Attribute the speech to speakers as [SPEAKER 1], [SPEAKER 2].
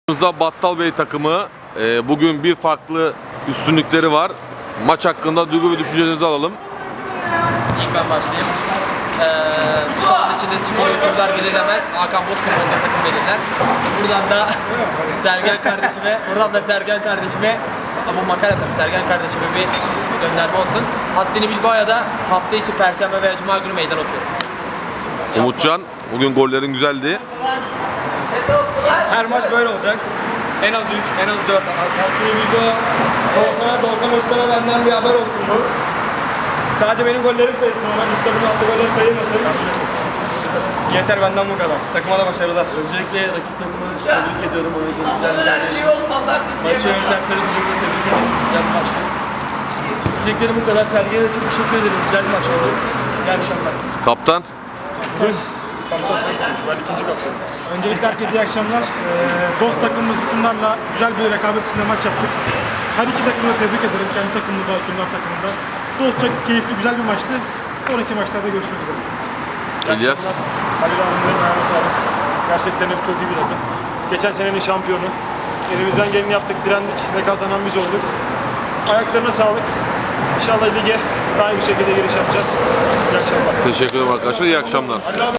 [SPEAKER 1] Battal Bey takımı bugün bir farklı üstünlükleri var. Maç hakkında duygu ve düşüncelerinizi alalım.
[SPEAKER 2] İlk ben başlayayım. Bu salonun içinde skor hükümdar belirlemez. Hakan Bozkırmızı takım belirler. Buradan da Sergen kardeşime bu makara tabii Sergen kardeşime bir gönderme olsun. Haddini Bilbao'ya da hafta içi Perşembe veya Cuma günü meydan okuyorum.
[SPEAKER 1] Umutcan, bugün gollerin güzeldi.
[SPEAKER 3] Her maç böyle olacak. En az 3, en az 4. Hakkı'yı Bilbao, Doğukan Özkan'a benden bir haber olsun bu. Sadece benim gollerim sayılsın, ona biz takımın attığı goller sayılmasın. Yeter benden bu kadar. Takıma da başarılar.
[SPEAKER 4] Öncelikle rakip takımı tebrik ediyorum. Oynadığım güzel bir yerleşim. Maçı yönetmenleri öncelikle tebrik ederim. Güzel bir maçtı. Diyeceklerim bu kadar. Sergen'e de çok teşekkür ederim. Güzel bir maç oldu. İyi akşamlar.
[SPEAKER 1] Kaptan,
[SPEAKER 3] Kaptan sen konuş, ben ikinci kaptanım.
[SPEAKER 5] Öncelikle herkese iyi akşamlar. Dost takımımız hükümdarla güzel bir rekabet içinde maç yaptık. Her iki takımı da tebrik ederim. Kendi takımımı da, hükümdar takımını da. Dostça keyifli, güzel bir maçtı. Sonraki maçlarda görüşmek üzere.
[SPEAKER 1] İlyas.
[SPEAKER 3] Halil Hanım'ın ayağına sağlık. Gerçekten hep çok iyi bir takım. Geçen senenin şampiyonu. Elimizden geleni yaptık, direndik ve kazanan biz olduk. Ayaklarına sağlık. İnşallah lige daha iyi bir şekilde giriş yapacağız. İyi akşamlar.
[SPEAKER 1] Teşekkür ederim arkadaşlar. İyi akşamlar.